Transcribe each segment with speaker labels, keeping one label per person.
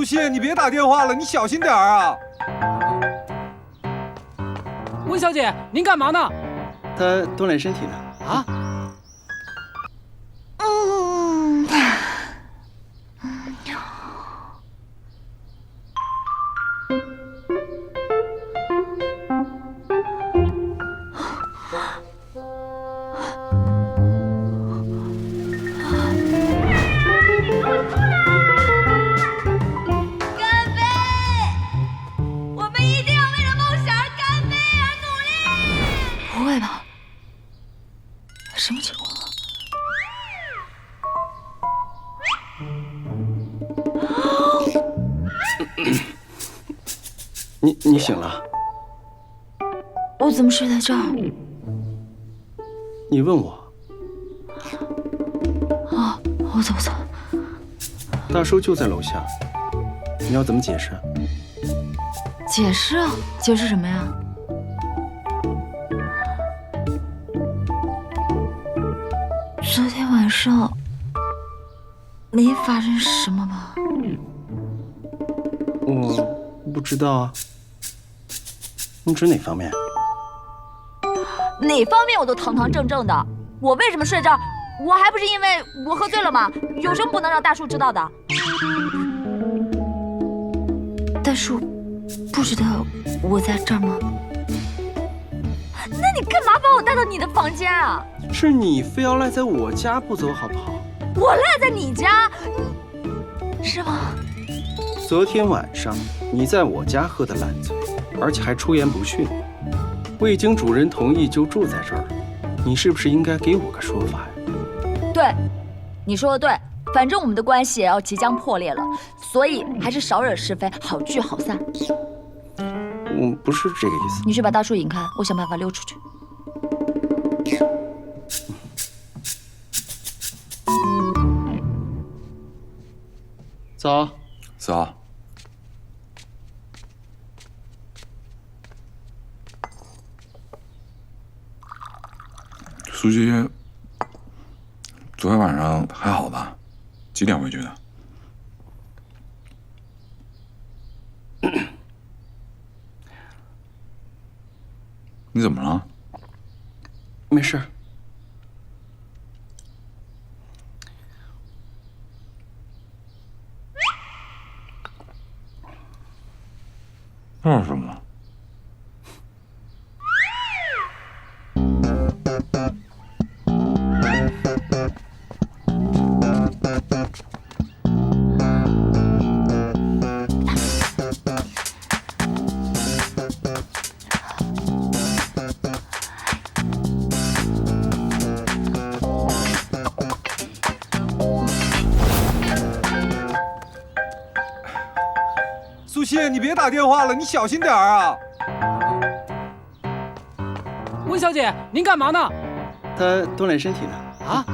Speaker 1: 苏西，你别打电话了，你小心点啊！
Speaker 2: 温小姐，您干嘛呢？
Speaker 3: 他锻炼身体呢。
Speaker 2: 啊？
Speaker 4: 什么情况？
Speaker 3: 你醒了？
Speaker 4: 我怎么睡在这儿？
Speaker 3: 你问我？
Speaker 4: 啊，我走。
Speaker 3: 大叔就在楼下，你要怎么解释？
Speaker 4: 解释啊？解释什么呀？昨天晚上没发生什么吧？
Speaker 3: 我不知道啊。你指哪方面？
Speaker 4: 哪方面我都堂堂正正的。我为什么睡这儿？我还不是因为我喝醉了吗？有什么不能让大叔知道的？大叔不知道我在这儿吗？那你干嘛把我带到你的房间啊？
Speaker 3: 是你非要赖在我家不走好不好？
Speaker 4: 我赖在你家，是吗？
Speaker 3: 昨天晚上你在我家喝得烂醉，而且还出言不逊，未经主人同意就住在这儿，你是不是应该给我个说法呀？
Speaker 4: 对，你说的对，反正我们的关系也要即将破裂了，所以还是少惹是非，好聚好散。
Speaker 3: 我不是这个意思。
Speaker 4: 你去把大叔引开，我想办法溜出去。
Speaker 3: 走。
Speaker 1: 走。
Speaker 5: 苏西，昨天晚上还好吧？几点回去的？你怎么了？
Speaker 3: 没事。
Speaker 5: 那是什么？
Speaker 1: 苏西，你别打电话了，你小心点啊！
Speaker 2: 温小姐，您干嘛呢？
Speaker 3: 他锻炼身体呢。
Speaker 2: 啊？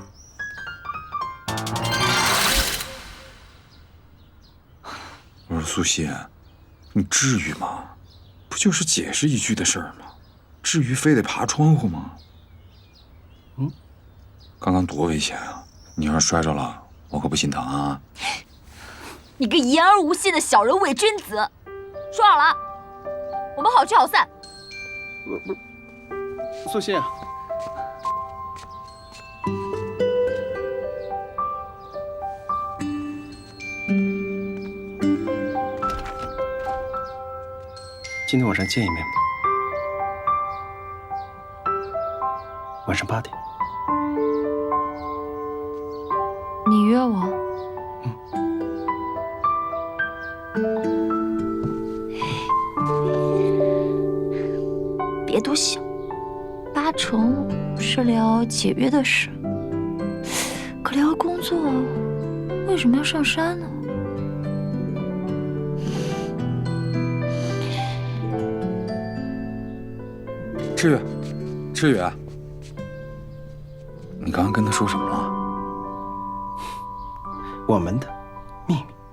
Speaker 5: 我说苏西，你至于吗？不就是解释一句的事儿吗？至于非得爬窗户吗？刚刚多危险啊！你要是摔着了，我可不心疼啊！
Speaker 4: 你个言而无信的小人伪君子！说好了，我们好聚好散。
Speaker 3: 不，苏西。今天晚上见一面吧。晚上8点。
Speaker 4: 你约我？别多想，8成是聊解约的事。可聊工作，为什么要上山呢？
Speaker 5: 志宇，你刚刚跟他说什么了？
Speaker 3: 我们的秘密。